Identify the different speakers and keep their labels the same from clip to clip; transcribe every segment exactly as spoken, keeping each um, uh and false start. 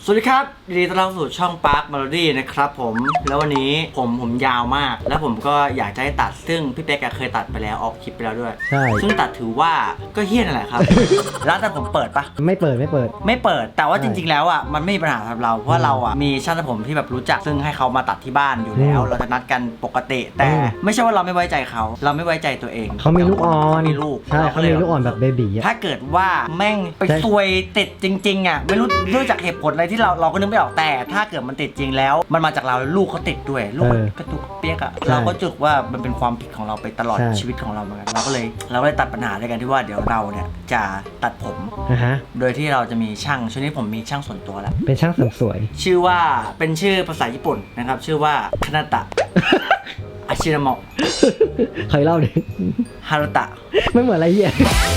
Speaker 1: สวัสดีครับยินดีต้อนรับสู่ช่อง Park Melody นะครับผมแล้ววันนี้ผมผมยาวมากแล้วผมก็อยากจะให้ตัดซึ่งพี่เป๊กเคยตัดไปแล้วออกคลิปไปแล้วด้วย
Speaker 2: ใช่
Speaker 1: ซึ่งตัดถือว่าก็เฮี้ยนนั่นแหละครับ ร้านตัดผมเปิดปะ
Speaker 2: ไม่เปิดไม่เปิด
Speaker 1: ไม่เปิดแต่ว่าจริงๆแล้วอ่ะมันไม่มีปัญหาสำหรับเราเพราะเราอ่ะมีช่างตัดผมที่แบบรู้จักซึ่งให้เขามาตัดที่บ้านอยู่แล้วเราจะนัดกันปกติแต่ไม่ใช่ว่าเราไม่ไว้ใจเขาเราไม่ไว้ใจตัวเอง
Speaker 2: เขามีลูกอ่อน
Speaker 1: มีลูก
Speaker 2: ใช่เขามีลูกอ่อนแบบเบบี
Speaker 1: ถ้าเกิดว่าแม่งไปซวยติดจริงๆอ่ะไม่รู้ด้วยจากเหตุผลอะไรที่เราเราก็นึกไม่ออกแต่ถ้าเกิดมันติดจริงแล้วมันมาจากเราลูกเขาติดด้วยลูกกระตุกเปียกอ่ะเราก็จุกว่ามันเป็นความผิดของเราไปตลอดชีวิตของเราเหมือนกันเราก็เลยเราก็เลยตัดปัญหาด้วยกันที่ว่าเดี๋ยวเราเนี่ยจะตัดผมโดยที่เราจะมีช่างช่วงนี้ผมมีช่างส่วนตัวแล้ว
Speaker 2: เป็นช่างเสริมสวย
Speaker 1: ชื่อว่าเป็นชื่อภาษาญี่ปุ่นนะครับชื่อว่าคานาตะอาชิรามะ
Speaker 2: เคยเล่าดิ
Speaker 1: ฮารุตะ
Speaker 2: ไม่เหมือนอะไรเหี้ย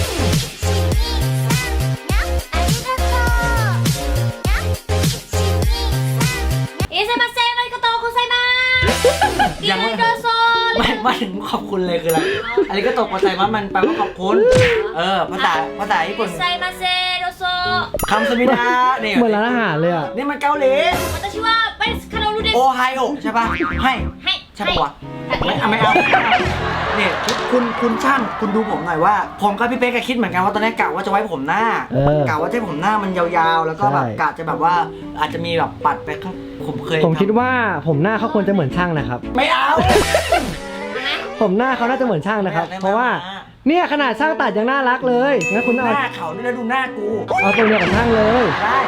Speaker 1: ยังไม่ไม่ไม่ถึงขอบคุณเลยคืออะไรอันนี้ก็ตกใจว่ามันแปลว่าขอบคุณเออภาษาภาษาญี่ปุ่นคำสมิดาเนี่ย
Speaker 2: เหมือนร้านอาหารเลยอ่ะ
Speaker 1: นี่มันเกาหลีโอไฮโอใช่ป่ะให้ใช่ป่ะวะไม่เอาไม่เอาเนี่ยคุณคุณช่างคุณดูผมหน่อยว่าผมกับพี่เป๊กก็คิดเหมือนกันว่าตอนนี้กะว่าจะไว้ผมหน้ากะว่าจะผมหน้ามันยาวๆแล้วก็แบบกะจะแบบว่าอาจจะมีแบบปัดไปข้างผมเคย
Speaker 2: ผมคิดว่าผมหน้าเขาควรจะเหมือนช่างนะครับ
Speaker 1: ไม่เอา
Speaker 2: ผมหน้าเขาน่าจะเหมือนช่างนะครับเพราะว่าเนี่ยขนาดช่างตัดยังน่ารักเลยงั้นคุณเอา
Speaker 1: หน้าเขานี่แล้วดูหน้ากู
Speaker 2: เอาตัวเดียวกับช่างเลย
Speaker 1: ได้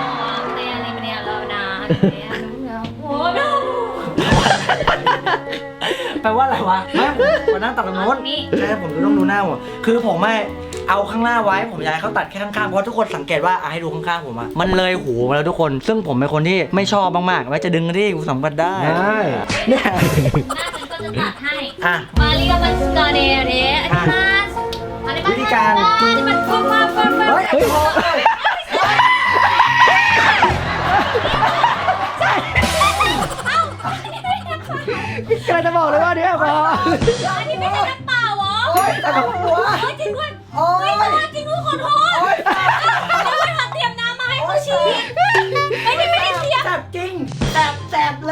Speaker 1: แปลว่าอะไรวะไม่ผมมานั่งตัดตรงโน้นใช่ผมต้องดูหน้าผมคือผมไม่เอาข้างหน้าไว้ผมอยากให้เขาตัดแค่ข้างๆเพราะทุกคนสังเกตว่าให้ดูข้างๆผมอะมันเลยหูมาแล้วทุกคนซึ่งผมเป็นคนที่ไม่ชอบมากๆไว้จะดึงที่กูสัมผัสได้
Speaker 2: ได้
Speaker 1: เนี่ย
Speaker 3: หน้าฉันก็จะตัดให้
Speaker 1: อ่ะ
Speaker 3: มาลีกับมันสกอเดย์เดย์อธิบาย
Speaker 1: วิธีการ
Speaker 3: ที่มันฟุ้งฟ้าฟุ้งฟ้า
Speaker 1: เฮ้ยเฮ้ย
Speaker 2: กำลังจะบอกเลยว่าเนี่ยพอ
Speaker 3: อันนี้ไม่ใช่น้ำเปล่าเหรอ
Speaker 1: โอ๊ยแต่กับหัว
Speaker 3: โอ๊ยจริงด้วยโอ๊ยจริงด้วยขอโทษแล้วมันมาเตรียมน้ำมาให้เขาฉีดไม่ได้ไม่ได้เตรียม
Speaker 1: แสบจริงแสบแสบเลย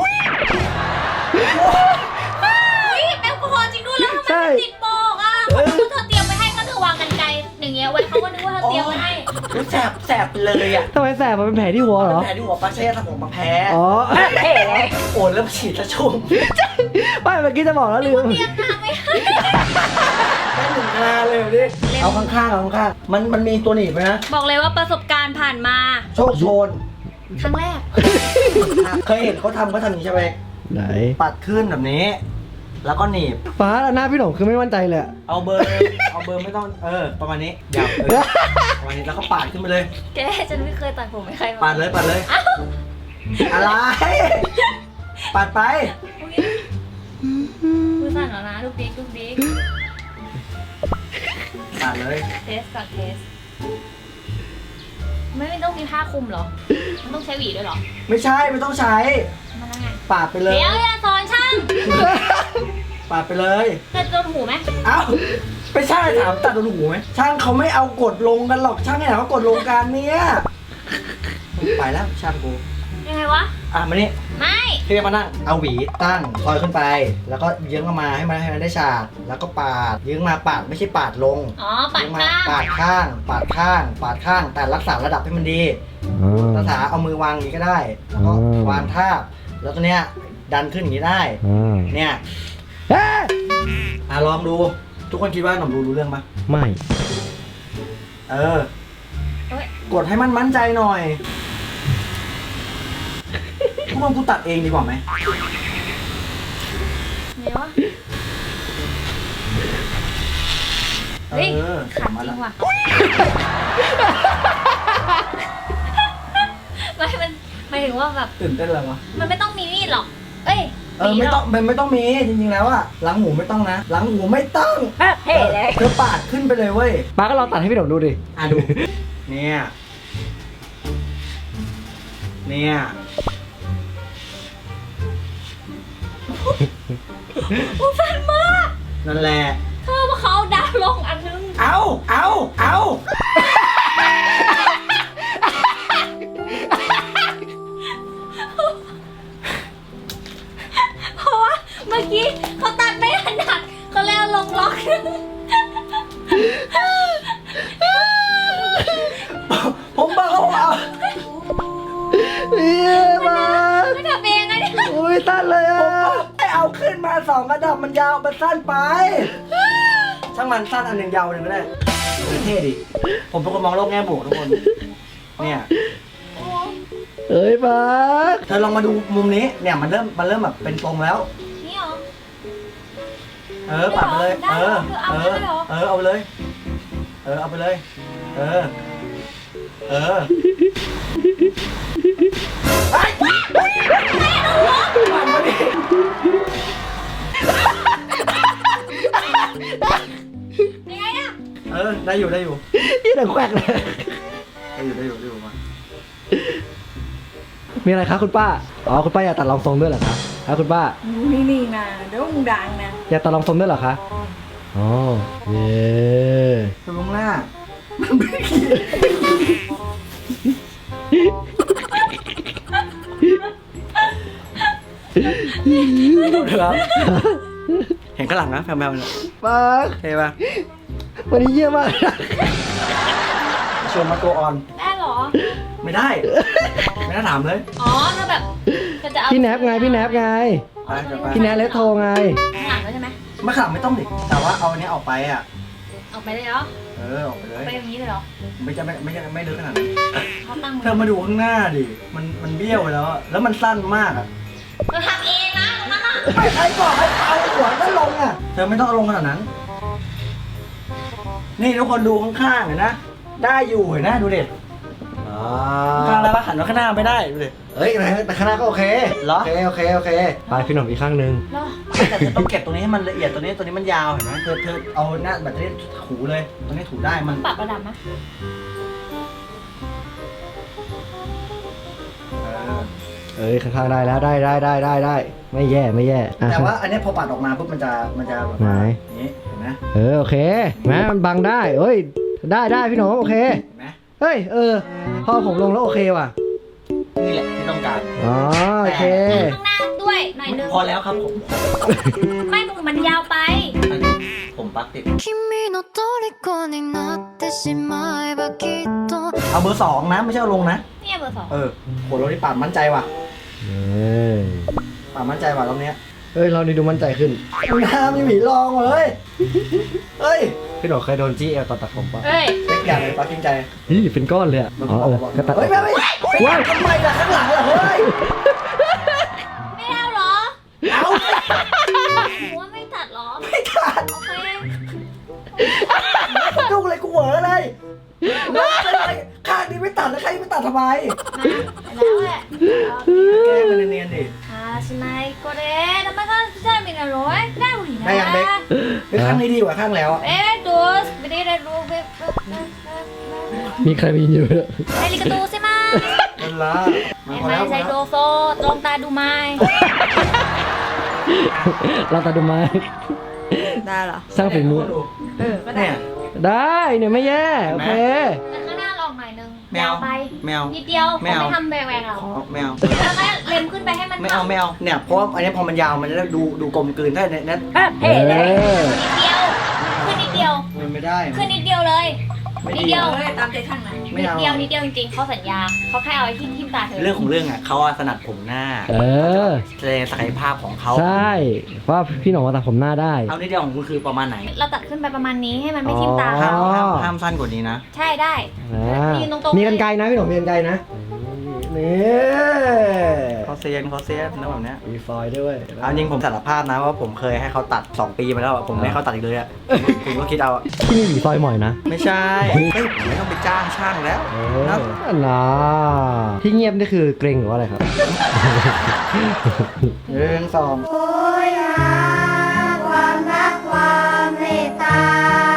Speaker 3: อุ้ยแอลกอฮอล์จริงด้วยแล้วทำไมมันติดบอกอ่ะเขาคิดว่าเธอเตรียมไว้ให้ก็เธอวางกันไกลอย่างเงี้ยไว้เขาก็นึกว่าเธอเตรียมไว้ให้
Speaker 1: แสบแสบเลยอ่ะ
Speaker 2: ทำไมแสบมันเป็นแผลที่หัวเหรอ
Speaker 1: แผลที่หัวปลาเช่ทำผมมาแพ้
Speaker 2: อ๋อ
Speaker 1: โอนแล้วฉีดจะชุ่ม
Speaker 2: ไม่เมื่อกี้จะบอกแล้วลืม
Speaker 3: เตรียมน้ำไว้ให้
Speaker 1: ได้หนึ่งงานเลยดิเอาข้างๆเอาข้างๆมันมันมีตัวหนีบไหมนะ
Speaker 3: บอกเลยว่าประสบการณ์ผ่านมา
Speaker 1: โชคโชน
Speaker 3: ครั้งแรก
Speaker 1: เคยเห็นเขาทำเขาทำอย่างนี้ใช่ไหม
Speaker 2: ไหน
Speaker 1: ปัดขึ้นแบบนี้แล้วก็หนีบ
Speaker 2: ฟ้าหน้าพี่หนุ่มคือไม่มั่นใจเลย
Speaker 1: เอาเบอร์เอาเบอร์ไม่ต้องเออประมาณนี้เดี๋ยวประมาณนี้แล้วก็ปาดขึ้นไปเลย
Speaker 3: แกฉันไม่เคยตัดผมไม่ใคร
Speaker 1: ปาดเลยปาดเลยอะไรปาดไป
Speaker 3: มือสั่นแล้วนะลูกดิ๊กลูกดิ๊ก
Speaker 1: ปาดเลย
Speaker 3: เทสก่อนเทสไม่ไม่ต้องมีผ้าคลุมเหรอมันต้องใช้หวีด้วยเหรอ
Speaker 1: ไม่ใช่ไม่ต้องใช้
Speaker 3: มันยังไง
Speaker 1: ปาดไปเลย
Speaker 3: เดี๋ยวอย่าสอนช่าง
Speaker 1: ปาดไปเลย
Speaker 3: ตัดโดนหูไหม
Speaker 1: เอ้าไม่ใช่ถามตัดโดนหูไหมช่างเขาไม่เอากดลงกันหรอกช่างไหนเขากดลงกันเนี่ยไปแล้วช่างกู
Speaker 3: ยังไงวะ
Speaker 1: อ่ะมานี่
Speaker 3: ไม่
Speaker 1: พี่มานั่งเอาหวีตั้งคอยขึ้นไปแล้วก็เยื้องออกมาให้มันให้มันได้ฉากแล้วก็ปาดเยื้องมาปาดไม่ใช่ปาดลง
Speaker 3: อ๋อปาดข้าง
Speaker 1: ปาดข้างปาดข้างปาดข้างแต่รักษาระดับให้มันดีรักษาเอามือวางอย่างนี้ก็ได้แล้วก็วางทาบแล้วตัวเนี้ยดันขึ้นอย่างนี้ได้เนี่ยอ่ะลองดูทุกคนคิดว่าหนุ่มรู้รู้เรื่องปะ
Speaker 2: ไม่
Speaker 1: เออกดให้มันมั่นใจหน่อยพวกมึงกูตัดเองดีกว่าไหม
Speaker 3: เนี่ยวะเฮ้ยขันจริงว่ะไม่มันหมายถึงว่าแบบ
Speaker 1: ตื่นเต้นอะไรวะ
Speaker 3: มันไม่ต้องมีมีดหรอกเอ้ย
Speaker 1: เออไม่ต้องมันไม่ต้องมีจริงๆแล้วอะหลังหูไม่ต้องนะหลังหูไม่ต้อง
Speaker 3: เฮ้เลย
Speaker 1: เธอปาดขึ้นไปเลยเว้ย
Speaker 2: ป้าก็ลองตัดให้พี่หนุ่มดูดิ
Speaker 1: อ่ะดูเนี่ยเนี่ย
Speaker 3: กูสั่นมาก
Speaker 1: นั่นแหละ
Speaker 3: เธอมาเขาดาวลงอันนึง
Speaker 1: เอาเอาเอาผมบอกเขาว่า
Speaker 2: พี่มา
Speaker 3: ไม่ทำเองไงเนี่ย
Speaker 2: อุ้ยสั้นเลยอ่ะ
Speaker 1: ให้เอาขึ้นมาสองระดับมันยาวมันสั้นไป ช่างมันสั้นอันหนึ่งยาวหนึ่งก็ได้เท่ดิ ผมเป็นคนมองโลกแง่บวกทุกคน เนี่ย
Speaker 2: เอ้ยมาร์ค
Speaker 1: เธอลองมาดูมุมนี้ เนี่ยมันเริ่มมันเริ่มแบบเป็นตรงแล้ว
Speaker 3: นี่เหรอ
Speaker 1: เออปัดไปเลย
Speaker 3: ได้
Speaker 1: เอ
Speaker 3: เหร
Speaker 1: อ
Speaker 3: อคือเอา
Speaker 1: เอ
Speaker 3: ไป
Speaker 1: อ
Speaker 3: เลยเหรอ
Speaker 1: เออเอาไปเลย เออเอาไปเลย เออ เออไอ้มันมาดิ
Speaker 3: ยังไงอะ
Speaker 1: เออได้อยู่ได้อยู่
Speaker 2: ยี่ดังแควกเลย
Speaker 1: ได้อยู่ได้อยู่ได้อยู่มา
Speaker 2: มีอะไรคะคุณป้า อ๋อคุณป้าอยากตัดรองทรงด้วยเหรอคะครับคุณป้า
Speaker 4: นี่นี่นะเดี๋ยวมึงดังนะ
Speaker 2: อยากตัดรองทรงด้วยเหรอคะ อ๋อ เย้
Speaker 1: ตรงหน้า ดูเถอะครับเห็นข้างหลังนะแพมๆเนี่ย
Speaker 2: มาร์ค
Speaker 1: เท่ปะ
Speaker 2: วันนี้เยี่ยมมาก
Speaker 1: ชวนมาตัวออน
Speaker 3: ได้เหรอ
Speaker 1: ไม่ได้ ไม่น่าถามเลย
Speaker 3: อ๋อถ้าแบบจะจะเอา
Speaker 2: พี่แนบไง พี่แนบไง
Speaker 1: ไปเดี๋ยวไป
Speaker 2: พี่แนบเลสโทรไง
Speaker 3: ข้างหลังด้วยใช่ไหม
Speaker 1: ไม่ขลับไม่ต้องดิแต่ว่าเอาอันนี้ออกไปอ่ะ
Speaker 3: ออกไปเลยเหรอ
Speaker 1: เออออกไปเลย
Speaker 3: ไปอย่างนี้เลยเหรอ
Speaker 1: ไม่จะไม่ไม่จะไม่ลึกขนาดนั้น
Speaker 3: เขาตั้งมื
Speaker 1: เธอมาดูข้างหน้าดิ มันมันเบี้ยวไปแล้วอะแล้วมันสั้นมากอ่ะ
Speaker 3: เราทำเองนะตรงนั้นอะ
Speaker 1: ไม่ใครบอกให้เอาหัวก็ลงอ่ะ เธอไม่ต้องเอาลงขนาดนั้น นี่ทุกคนดูข้างๆเห็นนะ ได้อยู่เห็นนะดูเด็ด
Speaker 2: อ๋อ
Speaker 1: ข้างแล้วว่าหันมาข้างหน้าไม่ได้ดูดิ
Speaker 2: เฮ้ยแต่ข้างหน้าก็โอเค
Speaker 1: เหรอ
Speaker 2: โอเค โอเค โอเค ไปพี่หนุ่มอีกข้างหนึ่ง
Speaker 3: เหรอ
Speaker 1: แต่เธอต้องเก็บตรงนี้ให้มันละเอียดตัวนี้ตัวนี้มันยาวเห็นไหมเธอเธอเอาหน้าแบตเตอรี่ถูเลยตรงนี้ถูได้มัน
Speaker 3: ปรับระดับไหม
Speaker 1: เออ
Speaker 2: เอ้ยข้างๆได้แล้วได้ได้ได้ได้ได้ ไม่แย่ไม่แย่อ่ะ
Speaker 1: แต่ว่าอันนี้พอปัดออกมาปุ๊บมันจะมันจะแบบ
Speaker 2: ไหน
Speaker 1: อย่างนี้เห็นไหม
Speaker 2: เออโอเคแม้มันบังได้เอ้ย ได้ได้พี่หนุ่มโอเค
Speaker 1: เห็นไหม
Speaker 2: เฮ้ยเออ พอผมลงแล้วโอเคว่ะ
Speaker 1: นี่แหละที่ต้องการ
Speaker 2: อ๋อโอเค
Speaker 3: ข้างหน้าด้วยหน่อยนึง
Speaker 1: พอแล้วครับผม
Speaker 3: ไม่มึงมันยาวไป
Speaker 1: อันนี้ผมปักติด
Speaker 5: 君の虜になってしまえばきっと
Speaker 1: เอาเบอร์สองนะไม่ใช่เอาลงนะ
Speaker 3: เนี่ยเบอร์สอง
Speaker 1: เออโหเราที่ปาดมั่นใจว่ะ
Speaker 2: เอ้ย
Speaker 1: ปาดมั่นใจว่ะรอบเนี้ย
Speaker 2: เอ้ยเรานี่ดูมั่นใจขึ้น
Speaker 1: น้ำมีหมีลองเลยเฮ้ย
Speaker 2: พี่หนุ่มเคยโดนจี้เอลตอนตัดผมปะ
Speaker 3: เอ้ย
Speaker 1: เล็กอย่างเลยปักจริงใจ
Speaker 2: นี่เป็นก้อนเลยอะอ๋อเออก็ตัดอ
Speaker 1: เฮ้
Speaker 2: อย ก
Speaker 1: ไม่ไม่ว้าวทำไมล่ะข้างหลังล่ะเฮ้ย
Speaker 3: ไม่เอาเหรอ
Speaker 1: เอา
Speaker 3: หนูว่าไม่ตัดเหรอ
Speaker 1: ไม่ขาด
Speaker 3: โอเค
Speaker 1: ดูเลยกูเหวอเลยแล้วเป็นไรข้างนี้ไม่ตัดแล้วข้างนี้ไม่ตัดทำไม
Speaker 3: มาแล้วแหละ
Speaker 1: แกล้งมันเนียนๆดิ
Speaker 3: อ่าสไนก็เด้ทำไมก็ได้มีนะร้อยได้หมดนะ
Speaker 1: ได้ยังเบ๊ก เฮ้ยข้างนี้ดีกว่าข้างแล้วอะ
Speaker 3: เอ๊ะดูสไม่ได้ได้รู้เบ๊ะ
Speaker 2: มีใครมายินอยู่ด้วย
Speaker 3: ไอ้ลิกาตูใช่ไหม
Speaker 1: มันละ
Speaker 3: ไอ้ไม่ใช่โดโซตรงตาดูไม้
Speaker 2: เราตัดดูไหม
Speaker 4: ได้เหรอ
Speaker 2: สร้างฝีมือ
Speaker 4: เออ ก็ได้
Speaker 1: เนี่ย
Speaker 2: ได้เนี่ยไม่แย่โอเค
Speaker 3: แต่ข้างหน้าลองหน่อยนึง
Speaker 1: ไม่เอา
Speaker 3: ยาวไป
Speaker 1: ไม่เอา
Speaker 3: นิดเดียว
Speaker 1: ไม่เอา
Speaker 3: ไม่ทำแหวกๆหรอก
Speaker 1: เอาไม่เอา
Speaker 3: แล้วก็เล็มขึ้นไปให้มัน
Speaker 1: ไม่เอาไม่เอาเนี่ยเพราะว่าอันนี้พอมันยาวมันจะได้ดูดูกลมกลืนได้เนี่ยเนี่ย
Speaker 2: เออ
Speaker 3: นิดเดียวขึ้นนิดเดียว
Speaker 1: มันไม่ได้
Speaker 3: ขึ้นนิดเดียวเลย
Speaker 1: ไม่
Speaker 3: นิ
Speaker 1: ดี
Speaker 3: ดเดียว
Speaker 4: เฮ้ย ตามใจข้างไหน
Speaker 1: ไม่
Speaker 3: นิด
Speaker 1: เอา
Speaker 3: เดียวนิดเดียวจริงๆเขาสัญญาเขาแค่เอาไอ้ที่ทิ่มตาเธอ
Speaker 1: เรื่องของเรื่องอ่ะเขาอะถนัดผมหน้า
Speaker 2: เออ
Speaker 1: แสดงศักยภาพของเขา
Speaker 2: ใช่เพราะว่าพี่หนุ่มมาตัดผมหน้าได้
Speaker 1: เอานิดเดียวของคุณคือประมาณไหน
Speaker 3: เราตัดขึ้นไปประมาณนี้ให้มันไม่ทิ่มตา
Speaker 2: อ๋อ
Speaker 1: ห้ามห้ามห้ามสั้นกว่านี้นะ
Speaker 3: ใช่ได้
Speaker 2: อ่า
Speaker 3: ยืนตรงๆ
Speaker 2: มีกันไกลนะพี่หนุ่มมีกันไกลนะนี่
Speaker 1: เขาเซียนเขาเซียนนะแบบเนี้ย
Speaker 2: มีฟอยล์ด้วย
Speaker 1: เอาจริงผมสารภาพนะว่าผมเคยให้เขาตัดสองปีมาแล้วอะผมไม่ให้เขาตัดอีกเลยอ่ะคุณก็คิดเอาอะ
Speaker 2: ที่นี่หวีฟอยล์หมอยนะ
Speaker 1: ไม่ใช่ไม่ไม่ต้องไปจ้างช่างแล้ว
Speaker 2: เอ
Speaker 1: นะ
Speaker 2: อนะที่เงียบนี่คือเกรงหรือว่าอะไรครับ
Speaker 1: หนึ่งสอง
Speaker 5: โอยหาความรักความเมตตา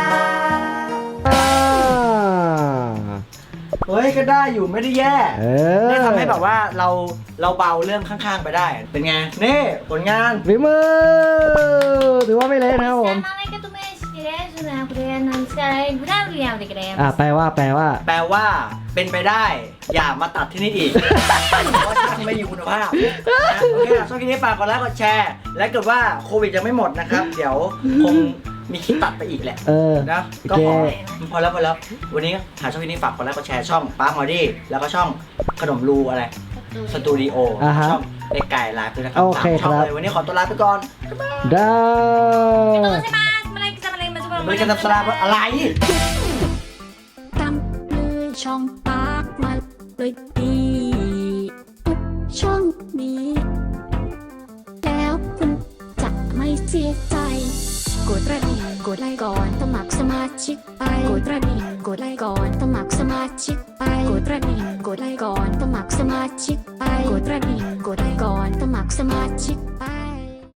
Speaker 1: เฮ้ยก็ได้อยู่ไม่ได้แย่
Speaker 2: เออ
Speaker 1: นี่ทำให้แบบว่าเราเราเบาเรื่องข้างๆไปได้ เป็นไง นี่ผลงาน
Speaker 2: ฝีมือถือว่าไม่เละนะครับผม
Speaker 3: แต่อะไรก็ตุ้มเอชกิเลสนะคุณเรนนั่นใช่ไม่ได้เรียนเด็กเรียน
Speaker 2: อ่ะแปลว่าแปลว่า
Speaker 1: แปลว่าเป็นไปได้ อย่ามาตัดที่นี่อีก เพราะช่างไม่มีคุณภาพนะโอเคชอบคลิปนี้ฝากกดไลค์กดแชร์ และเกิดว่าโควิดยังไม่หมดนะครับ เดี๋ยวคงมีคลิปตัดไปอีกแหละ
Speaker 2: เออ
Speaker 1: นะ
Speaker 2: โอ
Speaker 1: ก็
Speaker 2: เค
Speaker 1: พอพอแล้วพอแล้ว วันนี้หาช่องนี้ฝากกดไลค์กดแชร์ช่องป้าร์คมอดี้แล้วก็ช่องขนมรูอะไรสตูดิโอ
Speaker 2: อ่าฮะ
Speaker 1: ช่องเด็กไก่ไลฟ์ด้วยนะครับ
Speaker 2: โอเค
Speaker 1: สามช่อง
Speaker 2: ครับ
Speaker 1: เลยวันนี้ขอตัวลาไปก่อน
Speaker 2: ได้
Speaker 3: ตัวใช่ไหมอะไรจะอะไรมันจะ
Speaker 1: ไม่ได้กันทำสลาอะไร
Speaker 6: ตามเลยช่องปากมาเลยดีทุกช่องนี้ แล้วคุณจะไม่เสียใจ กดกระดิ่งกดไลค์ก่อนสมัครสมาชิกไปกดกระดิ่งกดไลค์ก่อนสมัครสมาชิกไปกดกระดิ่งกดไลค์ก่อนสมัครสมาชิกไปกดกระดิ่งกดไลค์ก่อนสมัครสมาชิกไป